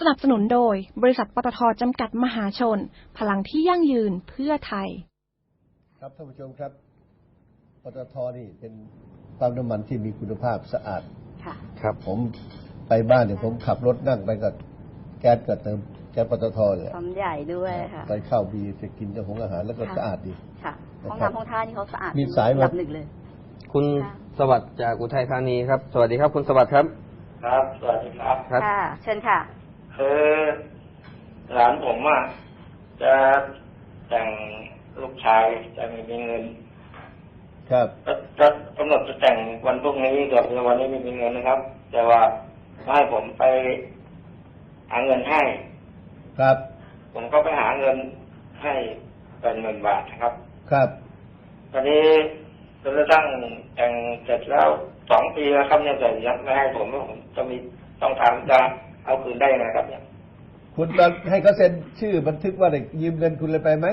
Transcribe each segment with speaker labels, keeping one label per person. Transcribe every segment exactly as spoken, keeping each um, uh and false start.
Speaker 1: นับสนุนโดยบริษัทปตท.จำกัดมหาชนพลังที่ยั่งยืนเพื่อไทย
Speaker 2: ครับท่านผู้ชมครับปตท.นี่เป็นปั๊มน้ำมันที่มีคุณภาพสะอาด
Speaker 3: ค่ะ
Speaker 2: ครับผมไปบ้านเนี่ยผมขับรถนั่งไปกับแก๊สก็เติมแก๊สปตท.เลย
Speaker 3: ปั๊มใหญ่ด้วยค่ะ
Speaker 2: ไปเข้าบีจะกินเจ้าของอาหารแล้วก็สะอาดดี
Speaker 3: ค่ะห้องน้ำห้องท่านี่เขาสะอาด
Speaker 2: มีสาย
Speaker 3: ระดับหนึ่งเลย
Speaker 4: คุณสวัสดิ์จากอุทัยธานีครับสวัสดีครับคุณสวัสดิ์ครับ
Speaker 5: ครับสวัสดีครับ
Speaker 3: ค่ะเชิญค่ะ
Speaker 5: คือหลานผมอ่ะจะแต่งลูกชายจะไม่มีเงิน
Speaker 2: ครับ
Speaker 5: จะกำหนดจะแต่งวันพรุ่งนี้กับวันนี้ไม่มีเงินนะครับแต่ว่าให้ผมไปหาเงินให้
Speaker 2: ครับ
Speaker 5: ผมก็ไปหาเงินให้เป็นหมื่นบาทนะครับ
Speaker 2: ครับ
Speaker 5: ตอนนี้จนกระทั่งแต่งเสร็จแล้วสองปีแล้วครับเนี่ยแต่ยังไม่ให้ผมผมจะมีต้องทำจะเอาคืนได้ไงครับเนี่ย
Speaker 2: คุณตอนให้เขาเซ็นชื่อบันทึกว่าได้ยืมเงินคุณเลยไปไหม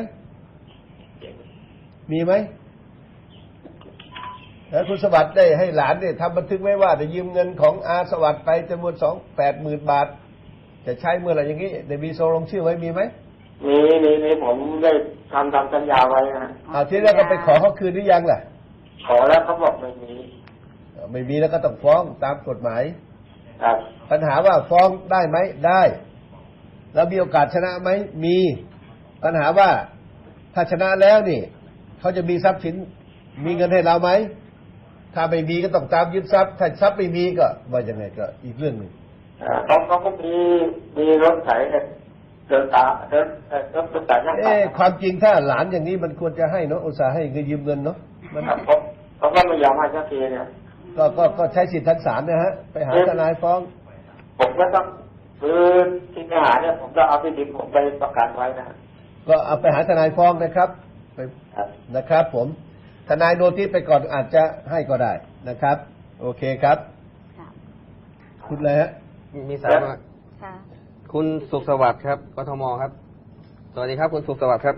Speaker 2: มีไหมแล้วคุณสวัสดิ์ได้ให้หลานเนี่ยทำบันทึกไว้ว่าได้ยืมเงินของอาสวัสดิ์ไปจำนวนสองแปดหมื่นบาทจะใช้เมื่อไหร่อย่างนี้ได้มีโซลงชื่อไว้มีไหม
Speaker 5: มีมีมีผมได้ทำทำสัญญาไว้นะ
Speaker 2: เอาทีแล้วก็ไปขอเขาคืนหรือยังล่ะ
Speaker 5: ขอแล้วเขาบอกไม่มี
Speaker 2: ไม่มีแล้วก็ต้องฟ้องตามกฎหมาย
Speaker 5: ครับ
Speaker 2: ปัญหาว่าฟ้องได้ไหมได้แล้วมีโอกาสชนะไหมมีปัญหาว่าถ้าชนะแล้วนี่เขาจะมีทรัพย์สินมีเงินให้เราไหมถ้าไม่มีก็ต้องตามยึดทรัพย์ถ้าทรัพย์ไม่มีก็ว่ายังไงก็อีกเรื่องหนึ่ง
Speaker 5: เขาเขาก็มีมีรถไถเดินตาเดินรถรถไถนั่ง
Speaker 2: เอ๊ะความจริงถ้าหลานอย่างนี้มันควรจะให้เนาะอุตส่าห์ให้เงินยืมเงินเนาะ
Speaker 5: มันเขาเขาก็ไม่ยอมให้สักทีเนี่ย
Speaker 2: ก็ก็ก็ใช้สิทธิทางศาลนะฮะไปหาทนายฟ้อง
Speaker 5: ผมก็ต้องคือที่ทหารเนี่ยผมต้องเอาที่ดินผมไปประกันไว้นะ
Speaker 2: ก็เอาไปหาทนายฟ้องนะครับไปนะครับผมทนายโนติสไปก่อนอาจจะให้ก็ได้นะครับโอเคครับคุณอะไรฮะ
Speaker 4: มีสายมาคุณสุขสวัสดิ์ครับกทมครับสวัสดีครับคุณสุขสวัสดิ์ครับ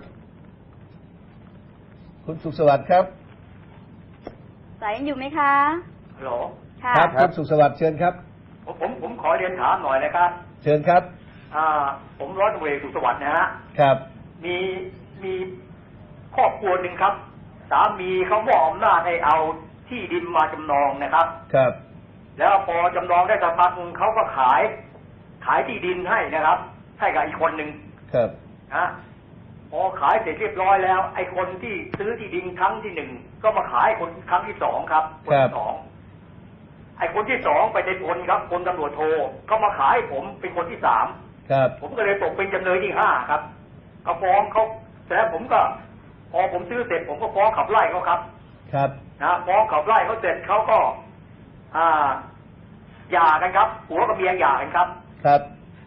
Speaker 2: คุณสุขสวัสดิ์ครับ
Speaker 3: สายยังอยู่ไหมคะ
Speaker 5: ฮัลโหล
Speaker 2: ครับคุณสุขสวัสดิ์เชิญครับ
Speaker 5: ผมผมผมขอเรียนถามหน่อยนะครับ
Speaker 2: เชิญครับ
Speaker 5: อ่าผมร้อยตำรวจเอกสุขสวัสดิ์นะฮะ
Speaker 2: ครับ
Speaker 5: มีมีครอบครัวหนึ่งครับสามีเขามอบอำนาจให้เอาที่ดินมาจำนองนะครับ
Speaker 2: ครับ
Speaker 5: แล้วพอจำนองได้สักพักเขาก็ขายขายที่ดินให้นะครับให้กับอีกคนหนึ่ง
Speaker 2: ครับ
Speaker 5: นะพอขายเสร็จเรียบร้อยแล้วไอ้คนที่ซื้อที่ดินครั้งที่หนึ่งก็มาขายคนครั้งที่สองครับคนที่สองไอ้คนที่สองไปในพลครับพลตำรวจโทก็มาขายผมเป็นคนที่สาม
Speaker 2: ครับ
Speaker 5: ผมก็เลยตกเป็นจำเลยที่ห้าครับเขาฟ้องเขาแต่ผมก็พอผมซื้อเสร็จผมก็ฟ้องขับไล่เขาครับ
Speaker 2: ครับ
Speaker 5: นะฟ้องขับไล่เขาเสร็จเขาก็อ่าหย่ากันครับผัวกับเมียหย่ากันครับ
Speaker 2: ครับ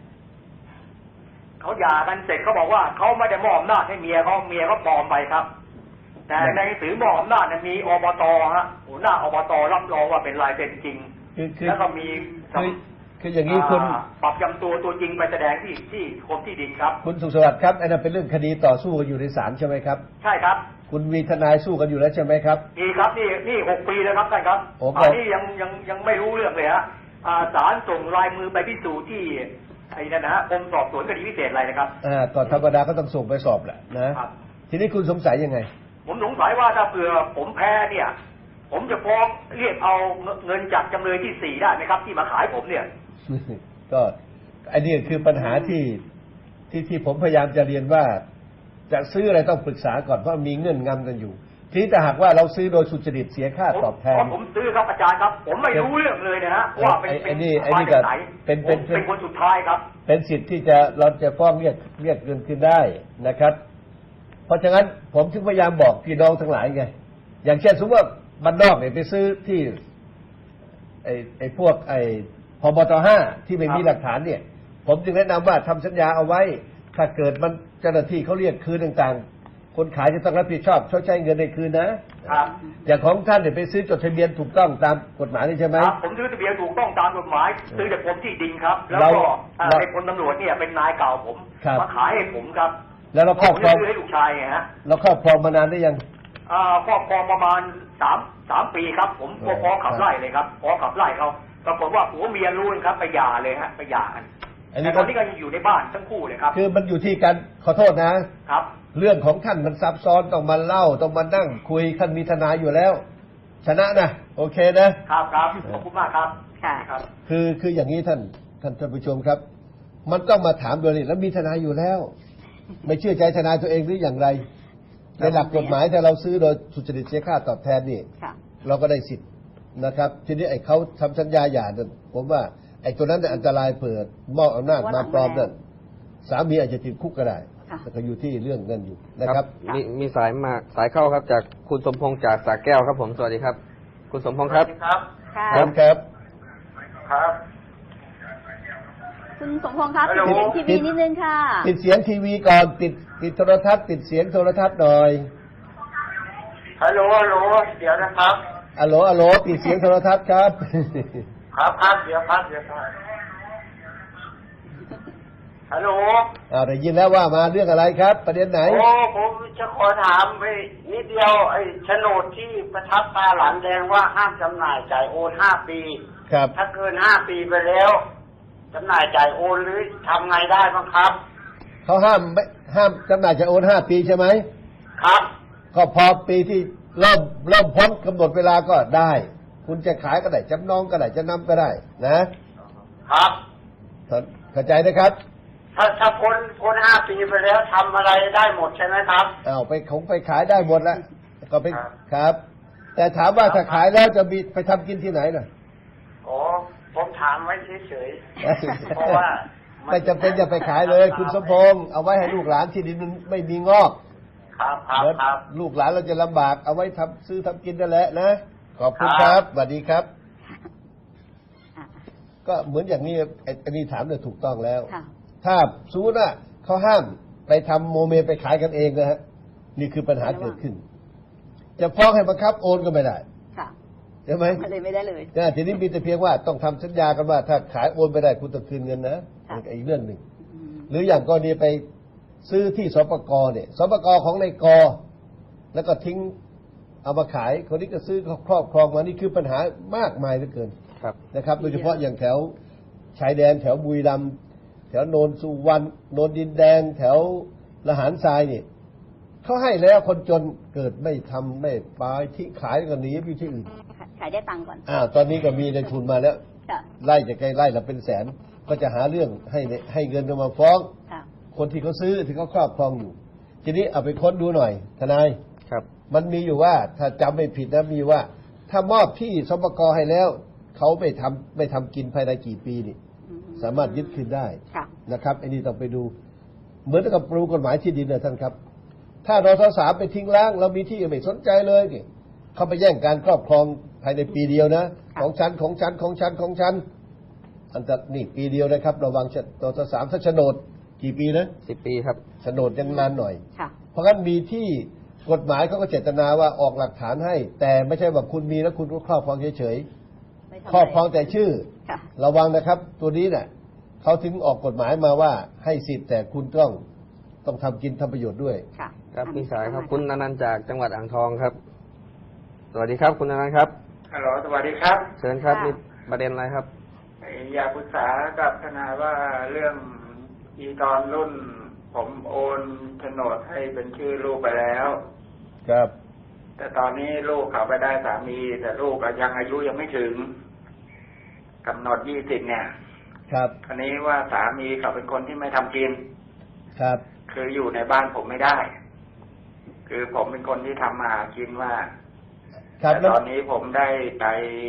Speaker 5: เขาหย่ากันเสร็จเขาบอกว่าเขาไม่ได้มอบอำนาจให้เมียเขาเมียเขาปลอมไปครับแต่ในหนังสือมอบอำนาจมีอบตฮะหัวหน้าอบตรับรองว่าเป็นลายเซ็นจริงแล้วก็มี
Speaker 2: คือคืออย่างนี้คุณ
Speaker 5: ปรับจำตัวตัวจริงไปแสดงที่ที่กรมที่ดินครับ
Speaker 2: คุณสุขสวัสดิ์ครับอันนั้นเป็นเรื่องคดีต่อสู้กันอยู่ในศาลใช่ไหมครับ
Speaker 5: ใช่ครับ
Speaker 2: คุณมีทนายสู้กันอยู่แล้วใช่ไหมครับ
Speaker 5: มีครับนี่นี่หกปีแล้วครับท่านครับอันนี้ยังยังยังไม่รู้เรื่องเลยฮะศาลส่งลายมือไปพิสูจน์ที่ไอ้นั่นนะฮะกรมสอบสวนคดีพิเศษอะไรนะครับ
Speaker 2: อ่าก่อนธรรมดาก็ต้องส่งไปสอบแหละนะทีนี้คุณสงสัยยังไง
Speaker 5: ผมสงสัยว่าถ้าเผื่อผมแพ้เนี่ยผมจะฟ้องเรียกเอาเงินจากจำเลยที่สี่ได้ไหมครับที่มาขายผมเนี่ย
Speaker 2: ก็อันนี้คือปัญหาที่ที่ที่ผมพยายามจะเรียนว่าจะซื้ออะไรต้องปรึกษาก่อนเพราะมีเงื่อนงำกันอยู่ทีนี้แต่หากว่าเราซื้อโดยสุจริตเสียค่าตอบแทน
Speaker 5: ผมซื้อครับอาจารย์ครับผมไม่รู้เรื่องเลยนะฮะว่าเป็น
Speaker 2: เป็นมาจากไหนเป็นเป็น
Speaker 5: เป็นคนสุดท้ายครับ
Speaker 2: เป็นสิทธิ์ที่จะเราจะฟ้องเรียกเรียกเงินคืนได้นะครับเพราะฉะนั้นผมถึงพยายามบอกพี่น้องทั้งหลายไงอย่างเช่นสมมติว่าบ้านนอกเนี่ยไปซื้อที่ไอ้ไอ้พวกไอ้พบตห้าที่ไม่มีหลักฐานเนี่ยผมจึงแนะนำว่าทำสัญญาเอาไว้ถ้าเกิดมันเจ้าหน้าที่เขาเรียกคืนต่างๆคนขายจะต้องรับผิดชอบชดใช้เงินในคืนนะอย่างของท่านเนี่ยไปซื้อจดทะเบียนถูกต้องตามกฎหมายนี่ใช่ไหม
Speaker 5: ครับผมซื้อทะเบียนถูกต้องตามกฎหมายซื้อจากกรมที่ดินครับแล้วก็ในพลตำรวจเนี่ยเป็นนายเก่าผมมาขายให้ผมครับ
Speaker 2: แล้วเราครอบครอง
Speaker 5: ให้ลูกชายไงฮะ
Speaker 2: เราครอบครองมานานได้ยัง
Speaker 5: อ่าครอบครองประมาณสามสามปีครับผมฟ้องขับไล่เลยครับฟ้องขับไล่เขาปรากฏว่าผัวเมียรู้ครับไปหย่าเลยฮะไปหย่ากัน
Speaker 2: อันนี้
Speaker 5: แต่ตอนนี้ก็ยังอยู่ในบ้านทั้งคู่เลยครับ
Speaker 2: คือมันอยู่ที่การขอโทษนะ
Speaker 5: ครับ
Speaker 2: เรื่องของท่านมันซับซ้อนต้องมาเล่าต้องมานั่งคุยท่านมีทนายอยู่แล้ว ชนะนะโอเคนะครับ
Speaker 5: ครับขอบคุณมากครับ
Speaker 3: ค่ะ
Speaker 5: ครับ
Speaker 2: คือคืออย่างนี้ท่านท่านท่านผู้ชมครับ มันต้องมาถามโดยนี้แล้วมีทนายอยู่แล้ว ไม่เชื่อใจทนายตัวเองหรืออย่างไรในหลักกฎหมายถ้าเราซื้อโดยสุจริตเสียค่าตอบแทนนี่
Speaker 3: ค่ะ
Speaker 2: เราก็ได้สิทธิ์นะครับ ทีนี้ไอ้เขาทำสัญญาหย่านั่นผมว่าไอ้ตัวนั้นน่ะอันตรายเปิดมอบอำนาจมาปลอมนั่นสามีอาจจะติดคุกก็ได้
Speaker 3: ค่ะ
Speaker 2: แต่ก็อยู่ที่เรื่องเงินอยู่นะครับ
Speaker 4: มีมีสายมาสายเข้าครับจากคุณสมพงษ์จากสระแก้วครับผมสวัสดีครับ คุณสมพงษ์ครับ
Speaker 5: ครับ
Speaker 3: ค่ะ
Speaker 2: ครับครับ
Speaker 5: ครับ
Speaker 3: คุณสมพงษ์ครับ
Speaker 5: ฮัลโหล
Speaker 3: ปิดทีวีนิดนึงค่ะ
Speaker 2: ปิดเสียงทีวีก่อนปิดปิดโทรทัศน์ปิดเสียงโทรทัศน์หน่อย
Speaker 5: ฮัลโหลฮัลโหลเดี๋ยวนะครับ
Speaker 2: อะโหลอะโหลปิดเสียงโทรทัศน์ครับ
Speaker 5: ครับครับเดี๋ยวครับเดี๋ยวครับฮัลโหล
Speaker 2: อ่าได้ยินแล้วว่ามาเรื่องอะไรครับ ประเด็นไหน
Speaker 5: โอ้ผมจะขอถามไปนิดเดียวไอ้โฉนดที่ประทับตาหลานแดงว่าห้ามจำหน่ายจ่ายโอนห้าปี
Speaker 2: ครับ
Speaker 5: ถ้าเกินห้าปีไปแล้วจำหน่ายจ่ายโอนหรือทำไงได้บ้างครับ
Speaker 2: เขาห้ามไม่ห้ามจำหน่ายจะโอนห้าปีใช่ไหม
Speaker 5: ครับ
Speaker 2: ก็พอปีที่เริ่มเริ่มพ้นกำหนดเวลาก็ได้ คุณจะขายก็ได้จำนองก็ได้จะนำก็ได้นะครับ เข้าใจนะครับ
Speaker 5: ถ้าถ้าพ้นพ้นห้าปีไปแล้วทำอะไรได้หมดใช่ไหมครับ
Speaker 2: เอาไปคงไปขายได้หมดแล้วก็ไป
Speaker 5: ครับ
Speaker 2: ครับ แต่ถามว่าถ้าขายแล้วจะมีไปทำกินที่ไหนน่ะ
Speaker 5: อ๋อผมถามไว้เฉยๆเพราะว่า
Speaker 2: ไม่จำเป็นจะไปขายเลย คุณสมพงษ์เอาไว้ให้ลูกหลานที่ดินมันไม่มีงอก
Speaker 5: ครับครับ
Speaker 2: เหมือน
Speaker 5: ครับ
Speaker 2: ลูกหลานเราจะลำบากเอาไว้ทำซื้อทำกินนั่นแหละนะขอบคุณค
Speaker 5: ครั
Speaker 2: รับบ สวัสดีครับ
Speaker 3: อ่ะ
Speaker 2: ก็เหมือนอย่างนี้ไอ้ไอันนี้ถามเนี่ยถูกต้องแล้ว
Speaker 3: ค่ะ
Speaker 2: ถ้าสมมติว่าเขาห้ามไปทำโมเมไปขายกันเองนะฮะนี่คือปัญหาเกิดขึ้น จะฟ้องให้บังคับโอนก็ไม่ได้
Speaker 3: ค่ะ
Speaker 2: ใช่ไหม
Speaker 3: มันเลยไม่ได้เลย
Speaker 2: นะทีนี้มีแต่เพียงว่าต้องทำสัญญากันว่า ถ้าขายโอนไปได้คุณต้องคืนเงินนะ
Speaker 3: ค่ะ
Speaker 2: อีกเรื่องหนึ่ง
Speaker 3: อืม
Speaker 2: หรืออย่างกรณีไปซื้อที่สปกเนี่ยสปกของในกแล้วก็ทิ้งเอามาขายคนนี้ก็ซื้อครอบครองมานี่คือปัญหามากมายเหลือเกิน
Speaker 4: ครับ
Speaker 2: นะครับ โดยเฉพาะอย่างแถวชายแดนแถวบุรีรัมย์แถวโนนสุวรรณโนนดินแดง แถวละหารทรายนี่เขาให้แล้วคนจนเกิดไม่ทำไม่ปายที่ขายก็หนีไปอยู่ที่อื่น
Speaker 3: ขายได้ตังค์ก่อน
Speaker 2: อ้าวตอนนี้ก็มีในทุนมาแล้ว
Speaker 3: ค่ะ
Speaker 2: ไล่จะใกล้ไล่ละเป็นแสน ก็จะหาเรื่องให้ให้เงินมาฟ้อง
Speaker 3: ค่ะ
Speaker 2: คนที่เขาซื้อที่เขาครอบครองอยู่ ทีนี้เอาไปค้นดูหน่อย ทนาย
Speaker 4: ครับ
Speaker 2: มันมีอยู่ว่าถ้าจำไม่ผิดนะมีว่า ถ้ามอบที่สปกให้แล้ว เขาไม่ทำไม่ทำกินภายในกี่ปีนี่
Speaker 3: อืม
Speaker 2: สามารถยึดคืนได้
Speaker 3: ค่ะ
Speaker 2: นะครับไอ้นี่ต้องไปดู เหมือนกับปรูกฎหมายที่ดินนะท่านครับ ถ้ารสสามไปทิ้งล้างเรามีที่ไม่สนใจเลยนี่เขาไปแย่งการครอบครองภายในปีเดียวนะ
Speaker 3: ค่ะ
Speaker 2: ของฉันของฉันของฉันของฉันอันตรนี่ปีเดียวนะครับ ระวังรสสามถ้าโฉนดกี่ปีนะ
Speaker 4: สิบปีครับ
Speaker 2: โฉนดยังนานหน่อย
Speaker 3: ค่ะ
Speaker 2: เพราะงั้นมีที่กฎหมายเขาก็เจตนาว่าออกหลักฐานให้ แต่ไม่ใช่ว่าคุณมีแล้วคุณก็ครอบครองเฉย
Speaker 3: ไม่ทำ
Speaker 2: ๆครอบครองแต่ชื่อ
Speaker 3: ค่ะ
Speaker 2: ระวังนะครับ ตัวนี้เน่ะเขาถึงออกกฎหมายมาว่าให้สิทธิ์แต่คุณต้องต้องทำกินทำประโยชน์ด้วย
Speaker 3: ค่ะ
Speaker 4: ครับ
Speaker 3: อ่ะ
Speaker 4: มีสายครับ
Speaker 3: เข้ม
Speaker 4: คุณอนันต์จากจังหวัดอ่างทองครับ สวัสดีครับ คุณอนันต์ครับ
Speaker 5: ฮัลโหลสวัสดีครับ
Speaker 4: เชิญครับมีประเด็นอะไรครับ
Speaker 5: อยากปรึกษากับทนายว่าเรื่องอีตอนรุ่น ผมโอนโฉนดให้เป็นชื่อลูกไปแล้ว
Speaker 2: ครับ
Speaker 5: แต่ตอนนี้ลูกเขาไปได้สามี แต่ลูกก็ยังอายุยังไม่ถึงกำหนดยี่สิบเนี่ย
Speaker 2: ครับ
Speaker 5: คราวนี้ว่าสามีเขาเป็นคนที่ไม่ทำกิน
Speaker 2: ครับ
Speaker 5: คืออยู่ในบ้านผมไม่ได้ คือผมเป็นคนที่ทำมาหากินว่า
Speaker 2: ครับ
Speaker 5: แต่
Speaker 2: แล้ว
Speaker 5: ตอนนี้ผมได้ไป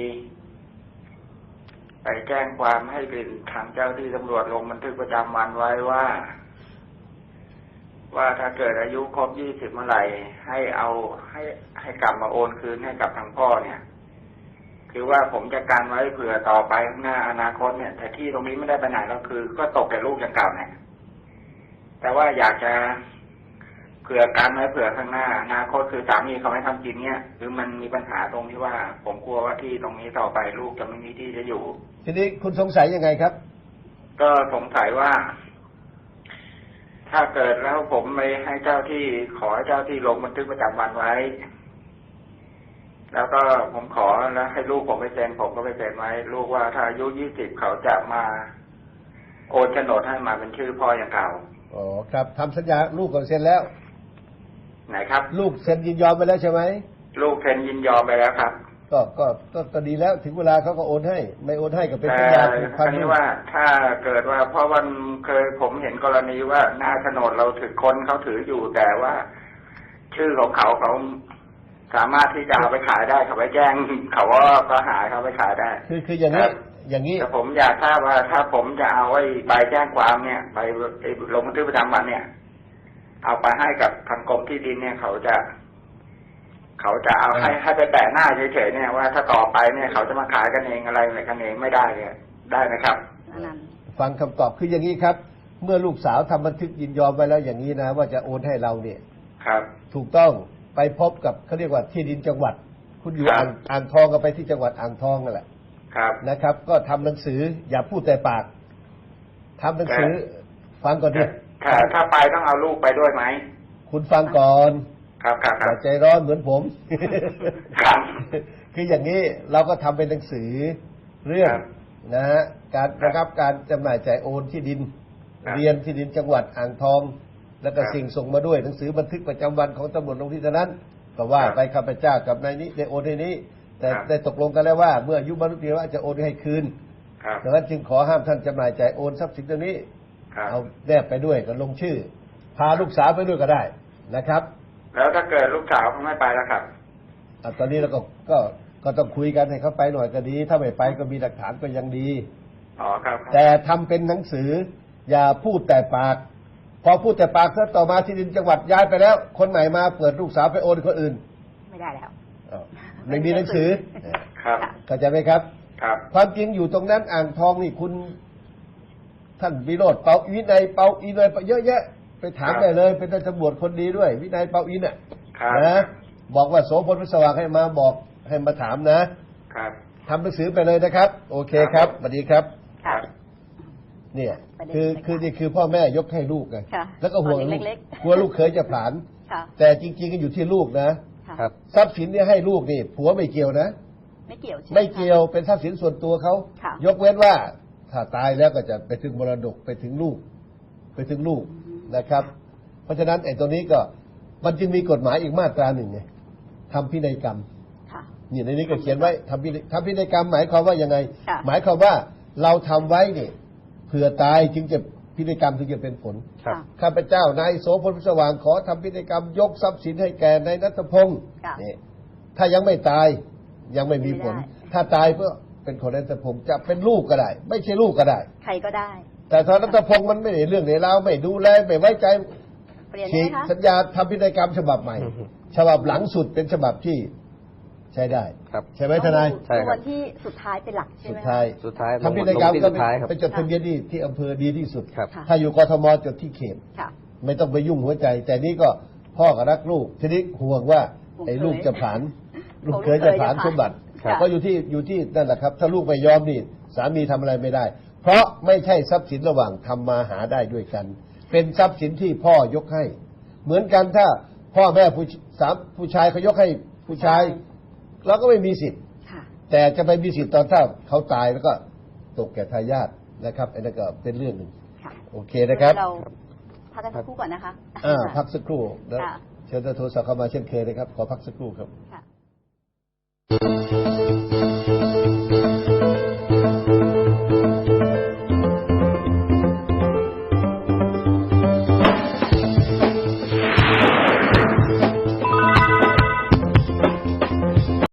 Speaker 5: ไปแจ้งความให้เป็นทางเจ้าที่ตำรวจลงบันทึกประจำวันไว้ว่า ว่าถ้าเกิดอายุครบยี่สิบเมื่อไหร่ให้เอาให้ให้กลับมาโอนคืนให้กับทางพ่อเนี่ย คือว่าผมจะการไว้เผื่อต่อไปข้างหน้าอนาคตเนี่ย แต่ที่ตรงนี้ไม่ได้ไปไหนแล้วคือ ก็ตกแต่ลูกอย่างเก่าเนี่ยแต่ว่าอยากจะเผื่อการไว้เผื่อข้างหน้าอนาคตคือสามีเขาไม่ทำกินเนี่ยคือมันมีปัญหาตรงที่ว่า ผมกลัวว่าที่ตรงนี้ต่อไปลูกจะไม่มีที่จะอยู่
Speaker 2: ทีนี้คุณสงสัยยังไงครับ
Speaker 5: ก็สงสัยว่า ถ้าเกิดแล้วผมไปให้เจ้าที่ขอให้เจ้าที่ลงบันทึกประจำวันไว้ แล้วก็ผมขอแล้วให้ลูกผมไปเซ็นผมก็ไปเซ็นไว้ ลูกว่าถ้าอายุยี่สิบเขาจะมา
Speaker 6: โอนโฉนดให้มาเป็นชื่อพ่ออย่างเก่า
Speaker 2: อ๋อครับทำสัญญาลูกก่อนเซ็นแล้ว
Speaker 6: ไหนครับ
Speaker 2: ลูกเซ็นยินยอมไปแล้วใช่ไหม
Speaker 6: ลูกเซ็นยินยอมไปแล้วครับ
Speaker 2: ก็ก็ก็ก็ดีแล้วถึงเวลาเขาก็โอนให้ ไม่โอนให้ก็เป็น
Speaker 6: แต่
Speaker 2: สัญญาผูก
Speaker 6: ค
Speaker 2: พั
Speaker 6: ราน วนี้ว่าถ้าเกิดว่าเพราะวันเคยผมเห็นกรณีว่าหน้าโฉนดเราถือคนเขาถืออยู่แต่ว่า ชื่อของเขาเขาสามารถที่จะเอาไปขายได้เขาไปแจ้งเขาว่าก็หายเขาไปขายได้
Speaker 2: คือคืออย่างนี้อย่างนี้
Speaker 6: แต่ผมอยากทราบว่าถ้าผมจะเอาไว้ใบแจ้งความเนี่ยใบลงบันทึกประจำวันเนี่ย เอาไปให้กับทางกรมที่ดินเนี่ย เขาจะ เขาจะเอาให้ให้ไปแปะหน้าเฉยๆเนี่ยว่าถ้าต่อไปเนี่ยเขาจะมาขายกันเองอะไรอะไรกันเองไม่ได้เนี่ยได้ไหมครับ
Speaker 3: อันนั้น
Speaker 2: ฟังคำตอบคืออย่างนี้ครับ เมื่อลูกสาวทำบันทึกยินยอมไปแล้วอย่างนี้นะ ว่าจะโอนให้เราเนี่ย
Speaker 6: ครับ
Speaker 2: ถูกต้องไปพบกับเขาเรียกว่าที่ดินจังหวัด คุณอยู่
Speaker 6: ครับ
Speaker 2: อ่างอ่างทองก็ไปที่จังหวัดอ่างทองนั่นแหละ
Speaker 6: ครับ
Speaker 2: นะครับ ก็ทำหนังสือ อย่าพูดแต่ปากทำหนังสือ ฟังก่อนดิ
Speaker 6: ถ้าถ้าไปต้องเอาลูกไปด้วยไหม
Speaker 2: คุณฟังก่อน
Speaker 6: ครับครับ
Speaker 2: อ
Speaker 6: ครั
Speaker 2: ย่า
Speaker 6: บ
Speaker 2: ใจร้อนเหมือนผม
Speaker 6: ครับ
Speaker 2: คืออย่างนี้เราก็ทำเป็นหนังสือเรื่อง
Speaker 6: ครับ
Speaker 2: นะฮะการ
Speaker 6: ครับ
Speaker 2: นะครับการจำหน่ายจ่ายโอนที่ดิน
Speaker 6: ครับ
Speaker 2: เรียนที่ดินจังหวัดอ่างทอง แล้วก็
Speaker 6: ครับ
Speaker 2: สิ่งส่งมาด้วยหนังสือบันทึกประจำวันของตำรวจลงที่นั้น ก็ว่า
Speaker 6: ครับ
Speaker 2: ไปข้าพเจ้ากับนายนี้ได้โอนให้นี้ แต่
Speaker 6: ครับ
Speaker 2: ได้ตกลงกันแล้วว่า เมื่ออายุบรรลุนิติภาวะจะโอนให้คืน
Speaker 6: ครับ
Speaker 2: ดังนั้นจึงขอห้ามท่านจำหน่ายจ่ายโอนทรัพย์สินตัวนี้
Speaker 6: ครับ
Speaker 2: เอาแนบไปด้วยก็ลงชื่อ พาลูกสาวไปด้วยก็ได้นะครับ
Speaker 6: แล้วถ้าเกิดลูกสาวเขาไม่ไปแล้วครับ
Speaker 2: อ่ะตอนนี้เราก็ก็ก็ต้องคุยกันให้เขาไปหน่อยก็ดี ถ้าไม่ไปก็มีหลักฐานก็ยังดี
Speaker 6: อ๋อครับครับ
Speaker 2: แต่ทำเป็นหนังสือ อย่าพูดแต่ปาก พอพูดแต่ปากถ้าต่อมาที่ดินจังหวัดย้ายไปแล้ว คนใหม่มาเปิดลูกสาวไปโอนคนอื่น
Speaker 3: ไม่ได้แล้ว
Speaker 2: อ้าวไม่มีหนังสือ
Speaker 6: ครับ
Speaker 2: เข้าใจไหมครับ
Speaker 6: ครับ
Speaker 2: ความจริงอยู่ตรงนั้นอ่างทองนี่คุณ ท่านวิโรธเปาวินัยเปาอินเลยเยอะแยะ ไปถาม
Speaker 6: ครับ
Speaker 2: ได้เลย เป็นตำรวจคนดีด้วย วินัยเปาอินอ่ะ
Speaker 6: ครับ
Speaker 2: นะบอกว่าโสพลพิศวงให้มาบอกให้มาถามนะครับ ทำหนังสือไปเลยนะครับ โอเคครับสวัสดีครับ
Speaker 6: ครับ
Speaker 2: เนี่ย
Speaker 3: ประเด็น
Speaker 2: คือ
Speaker 3: เลยค่ะ
Speaker 2: คือนี่คือพ่อแม่ยกให้ลูกไง
Speaker 3: ค่ะ
Speaker 2: แล้วก็ห่วง
Speaker 3: ตอน
Speaker 2: ลูก
Speaker 3: เล็กๆ
Speaker 2: กลัวลูกเคยจะผลาน
Speaker 3: ค่ะ
Speaker 2: แต่จริงๆก็อยู่ที่ลูกนะ
Speaker 3: ค่ะ
Speaker 4: ครับ
Speaker 2: ทรัพย์สินเนี่ยให้ลูกนี่ผัวไม่เกี่ยวนะ
Speaker 3: ไม่เกี่ยวใช่ห
Speaker 2: ไม่เกี่ยวเป็นทรัพย์สินส่วนตัวเขา
Speaker 3: ค่ะ
Speaker 2: ยกเว้นว่า ถ้าตายแล้วก็จะไปถึงมรดกไปถึงลูก ไปถึงลูกนะครับ เพราะฉะนั้นไอ้ตัวนี้ก็มันจึงมีกฎหมายอีกมาตราหนึ่งไงทำพินัยกรรม
Speaker 3: ค่ะ
Speaker 2: นี่ในนี้ก็เขียนไว้ทำพินัยทำพินัยกรรมหมายความว่ายังไง
Speaker 3: ค่ะ
Speaker 2: หมายความว่าเราทำไว้เนี่ยเผื่อตายจึงจะพินัยกรรมถึงจะเป็นผล
Speaker 4: ครับ
Speaker 2: ข้าพเจ้านายโสพลพิศวางขอทำพินัยกรรม ยกทรัพย์สินให้แก่นายนัทพงศ์
Speaker 3: ค่ะ
Speaker 2: นี่ถ้ายังไม่ตายยังไม่มีผล
Speaker 3: ไม่ได้
Speaker 2: ถ้าตายเพื่อเป็นของนายนัทพงศ์จะเป็นลูกก็ได้ ไม่ใช่ลูกก็ได้
Speaker 3: ใครก็ได้
Speaker 2: แต่ถ้านัทพงศ์มันไม่ได้เรื่องในราวไม่ดูแลไม่ไว้ใจ
Speaker 3: เปลี่ยน
Speaker 2: ฉี
Speaker 3: ได้
Speaker 2: ก
Speaker 3: ไหมคะ
Speaker 2: สัญญาทำพินัยกรรมฉบับใหม่
Speaker 4: อือฮึ
Speaker 2: ฉบับหลังสุดเป็นฉบับที่ใช้ได้
Speaker 4: ครับ
Speaker 2: ใช่ไหมทนาย
Speaker 4: ใช่ครับ
Speaker 3: วันที่สุดท้ายเป็นหลักใช่
Speaker 2: สุ
Speaker 3: ไห
Speaker 2: ด
Speaker 3: มคะ
Speaker 2: ท้าย
Speaker 4: สุดท้ายลง
Speaker 2: ทำพินัยกรรม
Speaker 4: ลงที่
Speaker 2: ก็
Speaker 4: สุดท้ายครับ
Speaker 2: ไปจดทะเบียนที่ที่อำเภอดีที่สุด
Speaker 4: ครับ
Speaker 3: ค่ะ
Speaker 2: ถ้าอยู่กทมจดที่เขต
Speaker 3: ค่ะ
Speaker 2: ไม่ต้องไปยุ่งหัวใจ แต่นี่ก็พ่อก็รักลูก ทีนี้ห่วงว่า
Speaker 3: ห่วง
Speaker 2: ไอ้ลูก
Speaker 3: เคย
Speaker 2: จะผ่าน ลูก
Speaker 3: ของ
Speaker 2: เคยจะผ่าน
Speaker 3: ลูกเคยจะผ่าน
Speaker 2: สมบัติ
Speaker 3: ครับ
Speaker 2: ก็อยู่ที่อยู่ที่นั่นแหละครับ ถ้าลูกไม่ยอมนี่สามีทำอะไรไม่ได้ เพราะไม่ใช่ทรัพย์สินระหว่างทำมาหาได้ด้วยกัน เป็นทรัพย์สินที่พ่อยกให้ เหมือนกันถ้าพ่อแม่ผู้สามผู้ชายเขายกให้ผู้ชาย เราก็ไม่มีสิทธิ์
Speaker 3: ค่ะ
Speaker 2: แต่จะไปมีสิทธิ์ตอนถ้าเขาตายแล้วก็ตกแก่ทายาทนะครับอันนั้นก็เป็นเรื่องหนึ่ง
Speaker 3: ค่ะ
Speaker 2: โอเคนะครับ
Speaker 3: เราพักกันสักครู่ก่อนนะคะ
Speaker 2: อ่าพักสักครู่แล้ว
Speaker 3: ค่ะ
Speaker 2: เชิญโทรศัพท์เข้ามาเช่นเคยนะครับ ขอพักสักครู่ครับ
Speaker 3: ค่ะ